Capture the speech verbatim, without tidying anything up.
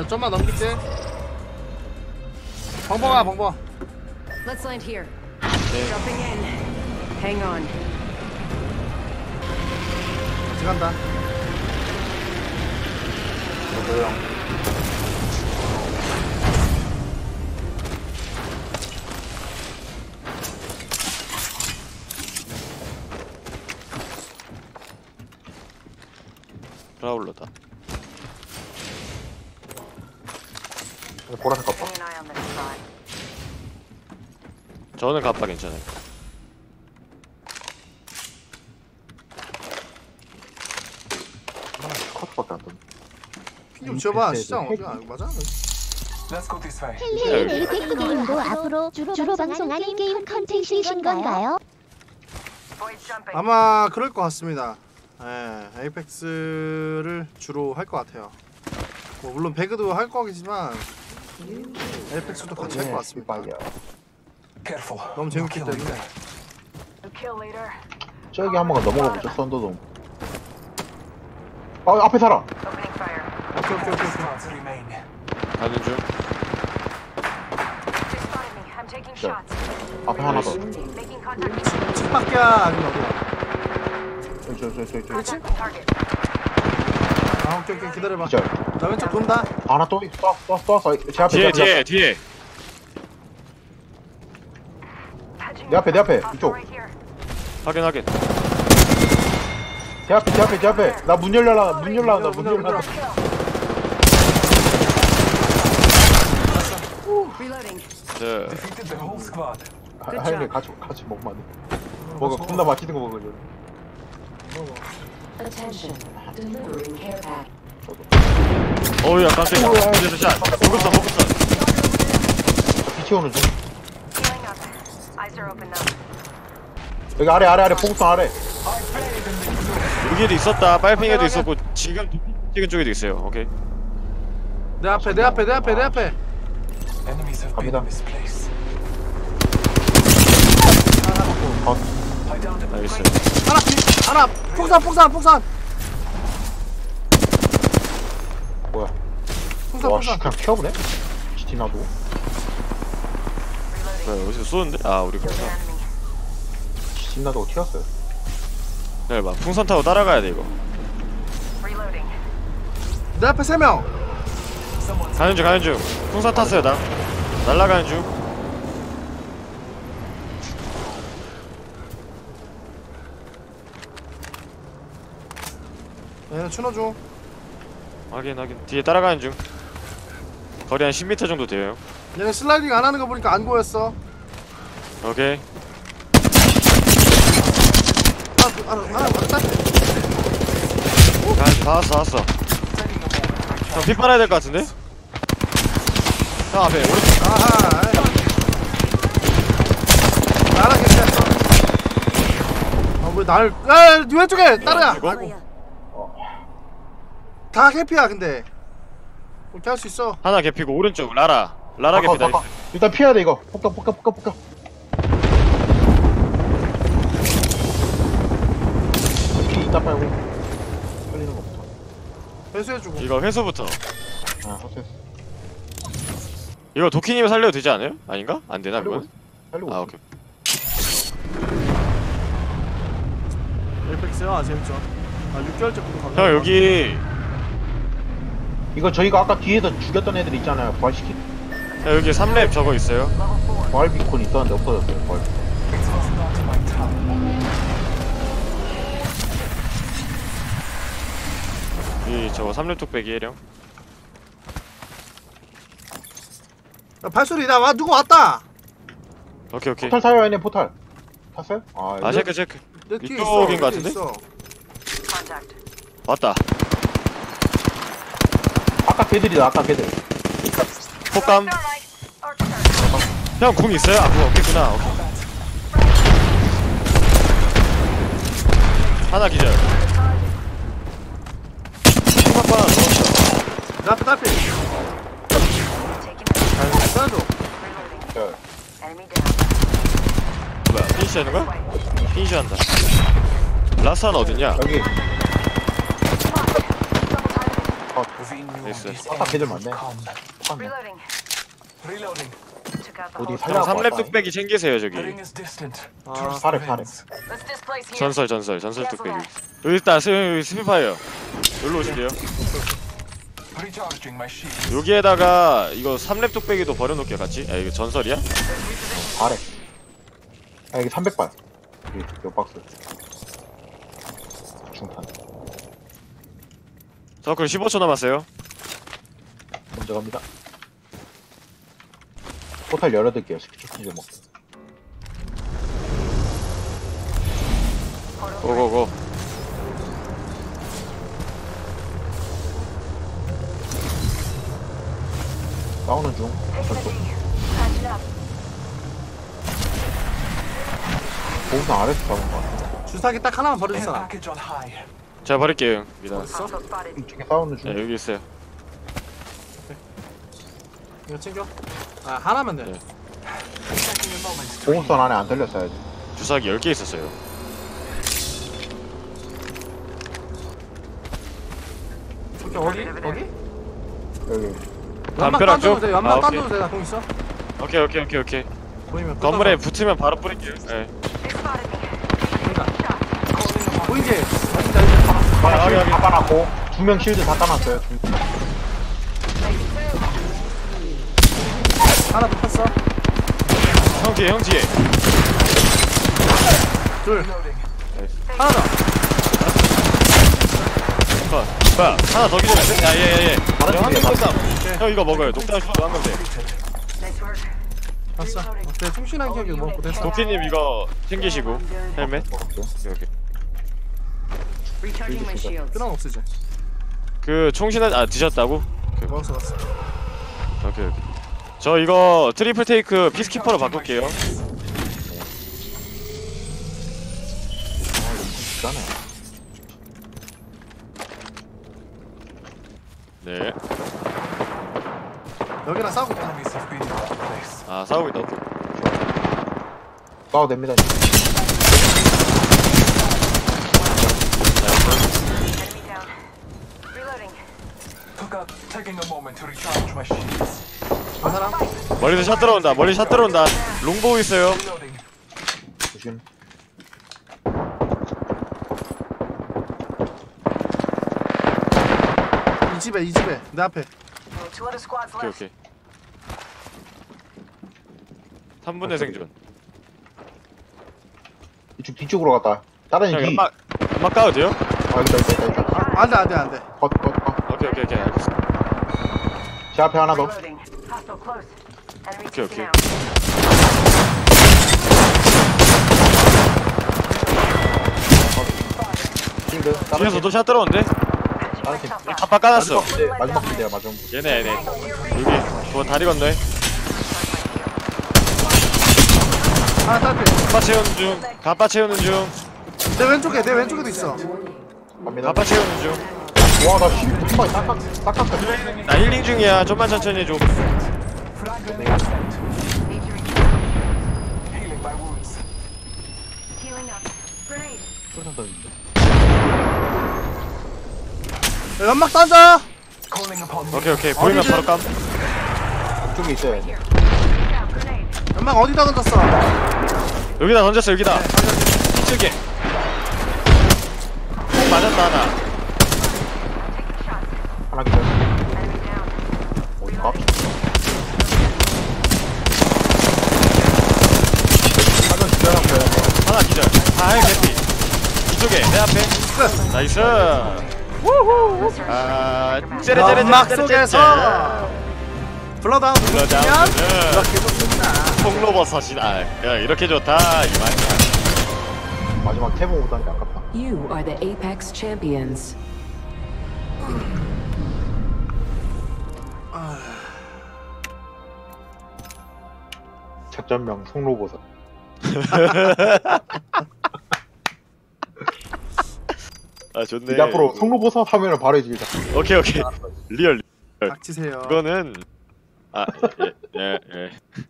야, 좀만 넘길게. 벙벙아, 벙벙. Let's land here. 네. Jumping in. Hang on. 들어간다. 저도요. 브라울러다. 보라색 깜빡. Keeping an eye on this spot. 저는 갑바 괜찮아요. 컷밖에 안 떴네. 핀좀 지어봐. 시장 어디야? 이거 맞아? 헬리헬리 에이펙스 게임도 앞으로 주로, 주로 방송하는 게임 컨텐츠이신 건가요? Void jumping. 아마 그럴 것 같습니다. 예, 에이펙스를 주로 할 것 같아요. 뭐 물론 배그도 할 거겠지만 에이펙스도 같이 할 것 같습니다. 너무 재밌기 때문에. Kill leader. 저기 한 번만 넘어가 보죠. 썬더돔. 아 앞에 살아. Opening fire. 오케이 오케이 오케이. 오케이. 가는 중. They spotted me. I'm taking Sure. shots. 앞에 하나 더. Making contact. 집 밖이야 아니면 어디야? 저기 저기 저기 저기. Contact with target. 아 오케이 오케이 기다려봐. 기절. 나 왼쪽 돈다. 하나 또 쏴, 쏴, 쏴. 제 앞에 뒤에 제 앞에. 뒤에 뒤에. 내 앞에 내 앞에 이쪽. Right here. 확인 확인. 제 앞에 제 앞에 제 앞에. 나 문 열라 문 열라 나 문 열라. Reloading. 네. 아, 하영이 같이 같이 먹으면 안 돼. 뭐가 겁나 맛있는 거 먹으려. Attention. Delivering care pack. 어우야 깜짝이야. 이제서 샷. 보급선 보급선. 비치오는 중. Healing up. Eyes are open now. 여기 아래 아래 아래 포구선 아래. 여기에도 있었다. 빨팽이에도 있었고 지금 찍은 쪽에도 있어요. 오케이. 내 앞에 내 앞에 내 앞에 내 앞에. 갑니다. 어, 나이스. 하나 뒤 하나 폭산 폭산 폭산. 뭐야? 폭산 와, 씨, 폭산. 그냥 튀어보네? 지티나도. 뭐야 여기서 쏘는데? 아 우리 Killed 풍선. an enemy. 지티나도 튀었어요. 네, 봐. 풍선 타고 따라가야 돼 이거. Reloading. 내 앞에 세 명. 가는 중 가는 중. 풍선 탔어요 나. 날라가는 중. 얘네 추노 중. 확인 확인. 뒤에 따라가는 중. 거리 한 십 미터 정도 돼요. 얘네 슬라이딩 안 하는 거 보니까 안 보였어. 오케이. 하나 하나 하나 맞다. 다, 다 왔어 다 왔어. 형 피 빨아야 될 것 같은데? 형 앞에 오른쪽. 아하. 나랑 괜찮어. 아왜 날? 아 왼쪽에 따라야. 이거? 아이고. 다 해피야 근데. 그렇게 할 수 있어. 하나 개피고 오른쪽 라라. 라라 바꿔, 개피다. 바꿔. 일단 피해야 돼 이거. 폭격 폭격 폭격 폭격. 피 이따 빨고. 살리는 거부터. 회수해주고. 이거 회수부터. 아, 호세스. 이거 도키님을 살려도 되지 않아요? 아닌가? 안 되나 그건? 살리고. 아 오케이. 에이펙스요? 아 재밌죠. 아 육 개월째 구독 감사합니다. 형 여기 이거 저희가 아까 뒤에서 죽였던 애들 있잖아요. 부활시킨. 형 여기 삼 렙 저거 있어요. 부활 비콘 있었는데 없어졌어요. 부활 비콘. 이 저거 삼 렙 뚝배기 해령. 야, 발소리 나 와 누구 왔다. 오케이 오케이. 포탈 타요, 얘네 포탈. 탔어요? 아, 아 체크 체크. 내 뒤에 이쪽인 있어. 것 내 뒤에 같은데? 있어. Contact. 왔다. 아까 걔들이다. 아까 걔들. 폭감. 형 궁 있어요? 아 궁 없겠구나. 오케이. 하나 기절. 폭감 하나 넣었어. 내 앞에 딸피. 따라줘. 저, Enemy down. 뭐야 피니시 하는 거야? 피니시 한다. 라스 하나 어딨냐? 여기. 어, 컷. 나이스. 아까 걔들 많네. 컷네. Reloading. Reloading. Took out the 어디 whole 살려? 형 삼 렙 뚝배기 챙기세요 The 저기. ring is distant. 아, Trust 사렙, the 사렙. winds. Let's displace here. 전설 전설 전설 뚝배기. 여기 있다. 스 스피파이어. 여기로 오실래요? Recharging my shield. 여기에다가 이거 삼 렙 뚝배기도 버려놓을게요 같이. 아 이거 전설이야? 아래. 아 이게 삼백 발. 여기 몇 박스. 중탄. 서클 십오 초 남았어요. 먼저 갑니다. 포탈 열어둘게요. 스키초키 좀 먹고. 고고고. 싸우는 중. Taking a 저쪽. knee. Patching up. 보호선 아래서 잡은 거 같아. 주사기 딱 하나만 Air 버려주잖아. package on high. 제가 버릴게요 형. 미다. Hostile spotted. 이쪽에 싸우는 중. 네 여기 있어요. 이거 챙겨. 아 하나면 돼. 네. Taking a moment to 보호선 안에 안 들렸어야지. 주사기 열 개 있었어요. 저기 어디? 어디? 여기. 연막 담벼락 딴 줘도 쪽? 돼. 아, 연막 딴 오케이. 줘도 돼. 나 공 있어. 오케이 오케이 오케이 오케이. 보이면 건물에 끄떡. 붙으면 바로 뿌릴게요. 네. They spotted me. 그러니까. Shot. 보이지? 어딘지 알지? 하나 아, 실드 여기, 다 까놨고 두 명 실드 다 까놨어요. 두- 하나 붙었어. 형 뒤에 형 뒤에. 둘. reloading. 하나 더. 컷. 뭐야? 하나 더 기다려. 야예예 예. 다른 형 팀이야, 한명 다른 쏜다. 형 이거 먹어요. 녹장 슈트 한명 돼. Nice work. 봤어. 어때? 충신한 기억이 먹고 됐어. 도끼님 이거 챙기시고 헬멧. 먹을게요. 오케이 오케이. Recharging my shields. 끊어 없으지. 그 총신한 아 드셨다고? 먹었어, 먹었어. 오케이 오케이. 저 이거 트리플 테이크 피스키퍼로 바꿀게요. 비싸네. 네. 여기랑 싸우고 있다. Enemies have been in that place. 아 싸우고 있다. 오케이. 싸워도 됩니다. Enemy down. Reloading. Took out. Taking a moment to recharge my shields. 한 사람? 멀리서 샷 들어온다. 멀리 샷 들어온다. 롱보우 있어요. Reloading. 조심. 이 집에, 이 집에. 내 앞에. Two other squads 오케이 left. 오케이. 삼 분의 생존. 이쪽 뒤쪽으로 갔다. 다른 형 뒤. 연막 연막 까도 돼요? 아 있다 있다 있다 있다. 아, 안 돼, 안 돼, 안 돼. 컷 컷 컷. 오케이 오케이 오케이 알겠어. 제 앞에 하나 더. Reloading. Hostile close. Enemy Okay, taken okay. out. 실드. 다른 뒤에서도 샷 들어온대. Patching 다른 팀. myself up. 갑바 까놨어. 마지막 부대 마지막 부대야 마지막 부대. 얘네 얘네. 여기 저 다리 건너에. 하나 딸피. 갑바 채우는 중. 갑바 채우는 중. 내 왼쪽에, 내 왼쪽에도 있어. 갑니다. 갑바 채우는 중. 와나 실드 한 방에 딱 깎- 딱 깎았어. 나 힐링 중이야. 좀만 천천히 해줘. Frag grenade sent. Need to recharge. Healing my wounds. Healing up. Grenade. 쏠탄 던진다. 야, 연막 던져! Calling upon me. 오케이 오케이. 보이면 바로 깜. 이쪽에 있어야 돼. Down. Grenade. 연막 어디다 던졌어? 여기다 던졌어 여기다. 이쪽에. 꼭 맞았다 하나. Taking shots. 하나 기다려. Enemy down. 어디 가? 하나 기다렸어요. 하나 기절. 아 개피. 이쪽에 내 앞에. 나이스. 아 째레째레 연막 속에서 블러다운 블러다운. 누르면 네. 이렇게 좋습니다. 통로버섯이다. 야 이렇게 좋다 이 말이야. 마지막 태보 오다니 아깝다. You are the Apex champions. 작전명 송로보석. 아 좋네. 이제 앞으로 송로보석 하면은 바로 해주자. 오케이 오케이. 리얼. 리얼. 닥치세요. 이거는 아예예 예, 예.